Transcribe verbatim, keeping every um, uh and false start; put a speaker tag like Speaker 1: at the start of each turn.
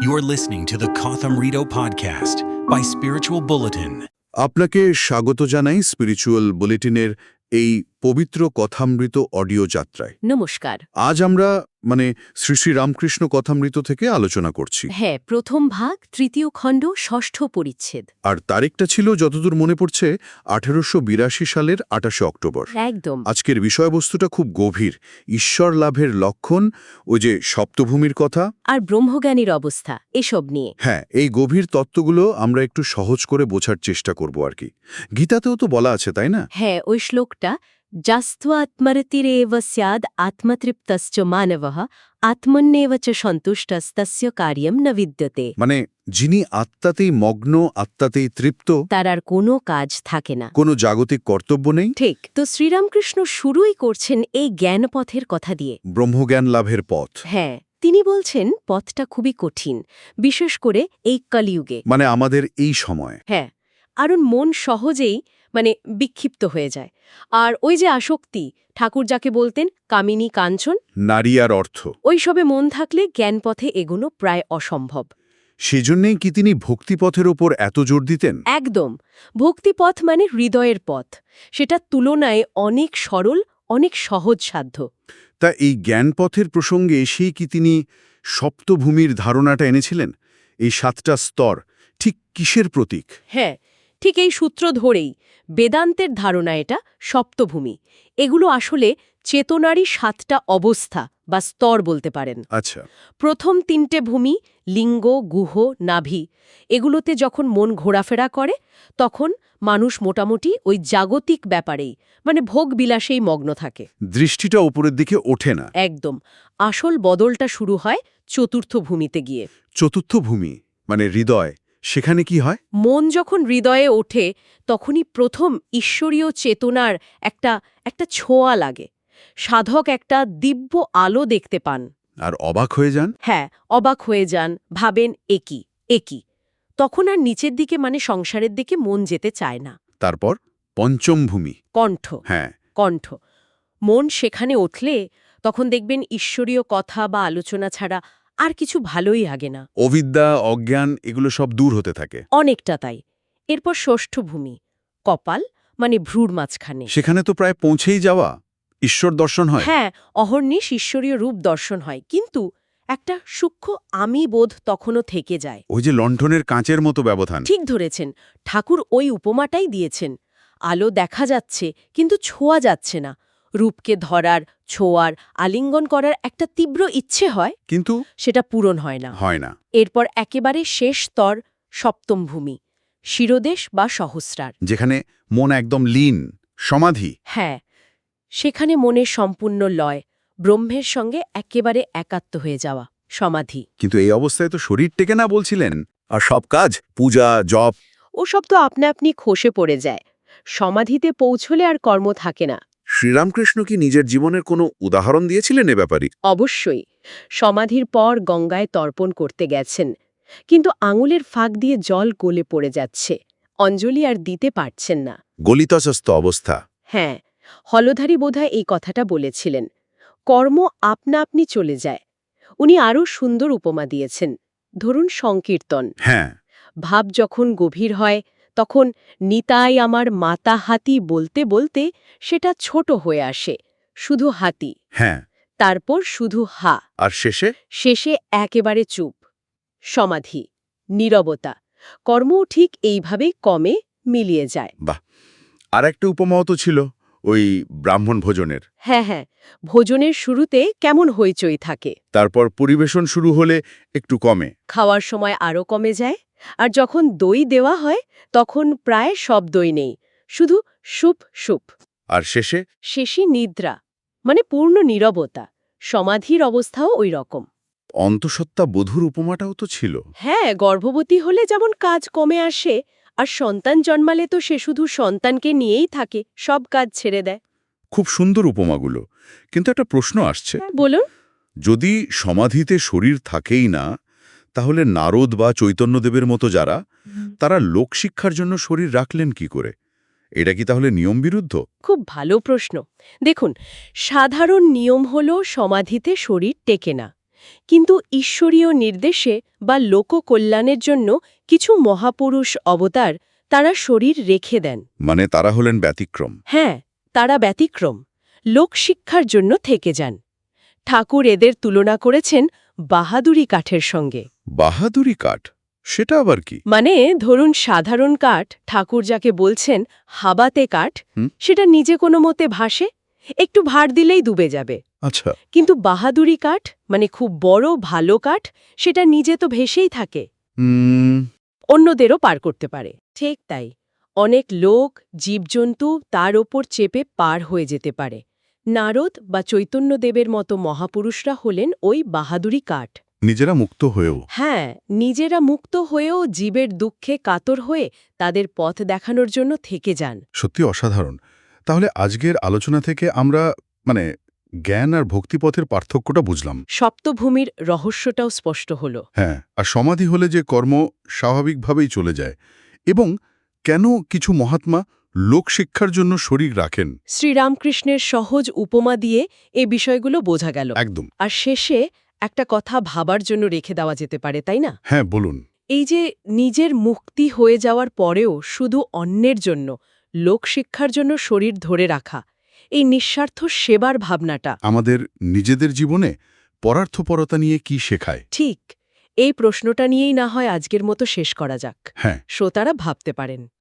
Speaker 1: You're listening to the Kotham Rito podcast by Spiritual Bulletin.
Speaker 2: আপনাকে স্বাগত জানাই spiritual বুলেটিনের এই পবিত্র কথামৃত অডিও যাত্রায়।
Speaker 3: নমস্কার।
Speaker 2: আজ আমরা মানে শ্রী শ্রী রামকৃষ্ণ কথামৃত থেকে আলোচনা করছি।
Speaker 3: হ্যাঁ, প্রথম ভাগ, তৃতীয় খণ্ড, ষষ্ঠ পরিচ্ছেদ।
Speaker 2: আর তারিখটা ছিল যতদূর মনে পড়ছে আঠেরোশো বিরাশি সালের আটাশে অক্টোবর।
Speaker 3: একদম।
Speaker 2: আজকের বিষয়বস্তুটা খুব গভীর। ঈশ্বর লাভের লক্ষণ, ওই যে সপ্তভূমির কথা
Speaker 3: আর ব্রহ্মজ্ঞানীর অবস্থা, এসব নিয়ে।
Speaker 2: হ্যাঁ, এই গভীর তত্ত্বগুলো আমরা একটু সহজ করে বোঝার চেষ্টা করব আর কি। গীতাতেও তো বলা আছে, তাই না?
Speaker 3: হ্যাঁ, ওই শ্লোকটা, যাস্ত্বাত্মরতিরেব স্যাদ আত্মতৃপ্তশ্চ মানবঃ আত্মন্যেব চ সন্তুষ্টস্তস্য কার্যম ন বিদ্যতে।
Speaker 2: মানে যিনি আত্মাতেই মগ্ন, আত্মাতেই তৃপ্ত,
Speaker 3: তার আর কোনো কাজ থাকে না,
Speaker 2: কোনো জাগতিক কর্তব্য নেই।
Speaker 3: ঠিক। তো শ্রীরামকৃষ্ণ শুরুই করছেন এই জ্ঞানপথের কথা দিয়ে।
Speaker 2: ব্রহ্মজ্ঞান লাভের পথ।
Speaker 3: হ্যাঁ, তিনি বলছেন পথটা খুবই কঠিন, বিশেষ করে এই কলিযুগে।
Speaker 2: মানে আমাদের এই সময়।
Speaker 3: হ্যাঁ, কারণ মন সহজেই মানে বিক্ষিপ্ত হয়ে যায়। আর ওই যে আসক্তি, ঠাকুর যাকে বলতেন কামিনী কাঞ্চন,
Speaker 2: নারী আর অর্থ,
Speaker 3: ওইসবে মন থাকলে জ্ঞানপথে এগোনো প্রায় অসম্ভব।
Speaker 2: সেজন্যেই কি তিনি ভক্তিপথের ওপর এত জোর দিতেন?
Speaker 3: একদম। ভক্তিপথ মানে হৃদয়ের পথ, সেটা তুলনায় অনেক সরল, অনেক সহজসাধ্য।
Speaker 2: তা এই জ্ঞানপথের প্রসঙ্গে এসেই কি তিনি সপ্তভূমির ধারণাটা এনেছিলেন? এই সাতটা স্তর ঠিক কিসের প্রতীক?
Speaker 3: হ্যাঁ, ঠিক এই সূত্র ধরেই বেদান্তের ধারণা, এটা সপ্তভূমি। এগুলো আসলে চেতনারই সাতটা অবস্থা বা স্তর বলতে পারেন।
Speaker 2: আচ্ছা।
Speaker 3: প্রথম তিনটে ভূমি, লিঙ্গ, গুহ, নাভি, এগুলোতে যখন মন ঘোরাফেরা করে তখন মানুষ মোটামুটি ওই জাগতিক ব্যাপারেই মানে ভোগ বিলাসেই মগ্ন থাকে।
Speaker 2: দৃষ্টিটা উপরের দিকে ওঠে না।
Speaker 3: একদম। আসল বদলটা শুরু হয় চতুর্থ ভূমিতে গিয়ে।
Speaker 2: চতুর্থ ভূমি মানে হৃদয়, সেখানে কি হয়?
Speaker 3: মন যখন হৃদয়ে ওঠে তখনই প্রথম ঈশ্বরীয় চেতনার একটা একটা ছোঁয়া লাগে। সাধক একটা দিব্য আলো দেখতে পান।
Speaker 2: আর অবাক হয়ে যান?
Speaker 3: হ্যাঁ, অবাক হয়ে যান, ভাবেন একই একই। তখন আর নিচের দিকে মানে সংসারের দিকে মন যেতে চায় না।
Speaker 2: তারপর পঞ্চম ভূমি,
Speaker 3: কণ্ঠ।
Speaker 2: হ্যাঁ,
Speaker 3: কণ্ঠ। মন সেখানে উঠলে তখন দেখবেন ঈশ্বরীয় কথা বা আলোচনা ছাড়া আর কিছু ভালোই লাগে না।
Speaker 2: অবিদ্যা, অজ্ঞান এগুলো সব দূর হতে থাকে।
Speaker 3: অনেকটা তাই। এরপর ষষ্ঠ ভূমি, কপাল মানে ভ্রুর মাঝখানে।
Speaker 2: সেখানে তো প্রায় পৌঁছেই যাওয়া, ঈশ্বর দর্শন হয়।
Speaker 3: হ্যাঁ, অহর্নিশ ঈশ্বরীয় রূপ দর্শন হয়, কিন্তু একটা সূক্ষ্ম আমি বোধ তখনও থেকে যায়।
Speaker 2: ওই যে লণ্ঠনের কাঁচের মতো ব্যবধান।
Speaker 3: ঠিক ধরেছেন, ঠাকুর ওই উপমাটাই দিয়েছেন। আলো দেখা যাচ্ছে কিন্তু ছোঁয়া যাচ্ছে না। রূপকে ধরার, ছোঁয়ার, আলিঙ্গন করার একটা তীব্র ইচ্ছে হয়,
Speaker 2: কিন্তু
Speaker 3: সেটা পূরণ হয় না।
Speaker 2: হয় না।
Speaker 3: এরপর একেবারে শেষ স্তর, সপ্তম ভূমি, শিরোদেশ বা সহস্রার।
Speaker 2: যেখানে মন একদম লীন, সমাধি।
Speaker 3: হ্যাঁ, সেখানে মনের সম্পূর্ণ লয়, ব্রহ্মের সঙ্গে একেবারে একাত্ম হয়ে যাওয়া, সমাধি।
Speaker 2: কিন্তু এই অবস্থায় তো শরীর টেকে না বলছিলেন, আর সব কাজ, পূজা, জপ,
Speaker 3: ওসব তো আপনা আপনি খসে পড়ে যায়। সমাধিতে পৌঁছলে আর কর্ম থাকে না।
Speaker 2: শ্রীরামকৃষ্ণ কি নিজের জীবনের কোনো উদাহরণ দিয়েছিলেন এ ব্যাপারে?
Speaker 3: অবশ্যই। সমাধির পর গঙ্গায় তর্পণ করতে গেছেন, কিন্তু আঙুলের ফাঁক দিয়ে জল গলে পড়ে যাচ্ছে, অঞ্জলি আর দিতে পারছেন না।
Speaker 2: গলিতস্ত অবস্থা।
Speaker 3: হ্যাঁ, হলধারী বোধহয় এই কথাটা বলেছিলেন। কর্ম আপনা আপনি চলে যায়। উনি আরও সুন্দর উপমা দিয়েছেন, ধরুন সংকীর্তন।
Speaker 2: হ্যাঁ,
Speaker 3: ভাব যখন গভীর হয় তখন নিতাই আমার মাতা হাতি বলতে বলতে সেটা ছোট হয়ে আসে, শুধু হাতি।
Speaker 2: হ্যাঁ।
Speaker 3: তারপর শুধু হা,
Speaker 2: আর শেষে?
Speaker 3: শেষে একেবারে চুপ। সমাধি, নীরবতা। কর্মও ঠিক এইভাবেই কমে, মিলিয়ে যায়।
Speaker 2: বাহ। আর একটা উপমাও তো ছিল, ওই ব্রাহ্মণ ভোজনের।
Speaker 3: হ্যাঁ হ্যাঁ, ভোজনের শুরুতে কেমন হইচই থাকে,
Speaker 2: তারপর পরিবেশন শুরু হলে একটু কমে,
Speaker 3: খাওয়ার সময় আরও কমে যায়। আর যখন দই দেওয়া হয় তখন প্রায় সব দই নেই, শুধু সুপ সুপ।
Speaker 2: আর শেষে?
Speaker 3: শেষে নিদ্রা, মানে পূর্ণ নীরবতা। সমাধির অবস্থাও ওই রকম।
Speaker 2: অন্তঃসত্ত্বা বধূর উপমাটাও তো ছিল।
Speaker 3: হ্যাঁ, গর্ভবতী হলে যেমন কাজ কমে আসে, আর সন্তান জন্মালে তো সে শুধু সন্তানকে নিয়েই থাকে, সব কাজ ছেড়ে দেয়।
Speaker 2: খুব সুন্দর উপমাগুলো। কিন্তু একটা প্রশ্ন আসছে,
Speaker 3: বলুন।
Speaker 2: যদি সমাধিতে শরীর থাকেই না, তাহলে নারদ বা চৈতন্যদেবের মতো যারা, তারা লোকশিক্ষার জন্য শরীর রাখলেন কি করে? এটা কি তাহলে নিয়ম বিরুদ্ধ?
Speaker 3: খুব ভালো প্রশ্ন। দেখুন, সাধারণ নিয়ম হলো সমাধিতে শরীর টেকে না, কিন্তু ঈশ্বরীয় নির্দেশে বা লোককল্যাণের জন্য কিছু মহাপুরুষ অবতার তারা শরীর রেখে দেন।
Speaker 2: মানে তারা হলেন ব্যতিক্রম।
Speaker 3: হ্যাঁ, তারা ব্যতিক্রম, লোকশিক্ষার জন্য থেকে যান। ঠাকুর এদের তুলনা করেছেন বাহাদুরি কাঠের সঙ্গে।
Speaker 2: বাহাদুরি কাঠ, সেটা আবার কি?
Speaker 3: মানে ধরুন সাধারণ কাঠ, ঠাকুর যাকে বলছেন হাবাতে কাঠ,
Speaker 2: হুম।
Speaker 3: সেটা নিজে কোনো মতে ভাসে, একটু ভার দিলেই ডুবে যাবে।
Speaker 2: আচ্ছা।
Speaker 3: কিন্তু বাহাদুরি কাঠ মানে খুব বড় ভালো কাঠ, সেটা নিজে তো ভেসেই থাকে,
Speaker 2: হুম।
Speaker 3: অন্যদেরও পার করতে পারে। ঠিক তাই, অনেক লোক জীবজন্তু তার ওপর চেপে পার হয়ে যেতে পারে। নারদ বা চৈতন্যদেবের মতো মহাপুরুষরা হলেন ওই বাহাদুরি কাঠ।
Speaker 2: নিজেরা মুক্ত হয়েও।
Speaker 3: হ্যাঁ, নিজেরা মুক্ত হয়েও জীবের দুঃখে কাতর হয়ে তাদের পথ দেখানোর জন্য থেকে যান।
Speaker 2: সত্যি অসাধারণ। তাহলে আজকের আলোচনা থেকে আমরা মানে জ্ঞান আর ভক্তিপথের পার্থক্যটা বুঝলাম।
Speaker 3: সপ্তভূমির রহস্যটাও স্পষ্ট হল।
Speaker 2: হ্যাঁ, আর সমাধি হলে যে কর্ম স্বাভাবিকভাবেই চলে যায়, এবং কেন কিছু মহাত্মা লোকশিক্ষার জন্য শরীর রাখেন।
Speaker 3: শ্রীরামকৃষ্ণের সহজ উপমা দিয়ে এই বিষয়গুলো বোঝা গেল।
Speaker 2: একদম।
Speaker 3: আর শেষে একটা কথা ভাবার জন্য রেখে দেওয়া যেতে পারে, তাই না?
Speaker 2: হ্যাঁ, বলুন।
Speaker 3: এই যে নিজের মুক্তি হয়ে যাওয়ার পরেও শুধু অন্যের জন্য, লোকশিক্ষার জন্য শরীর ধরে রাখা, এই নিঃস্বার্থ সেবার ভাবনাটা
Speaker 2: আমাদের নিজেদের জীবনে পরার্থপরতা নিয়ে কি শেখায়?
Speaker 3: ঠিক, এই প্রশ্নটা নিয়েই না হয় আজকের মতো শেষ করা যাক।
Speaker 2: হ্যাঁ।
Speaker 3: শ্রোতারা ভাবতে পারেন।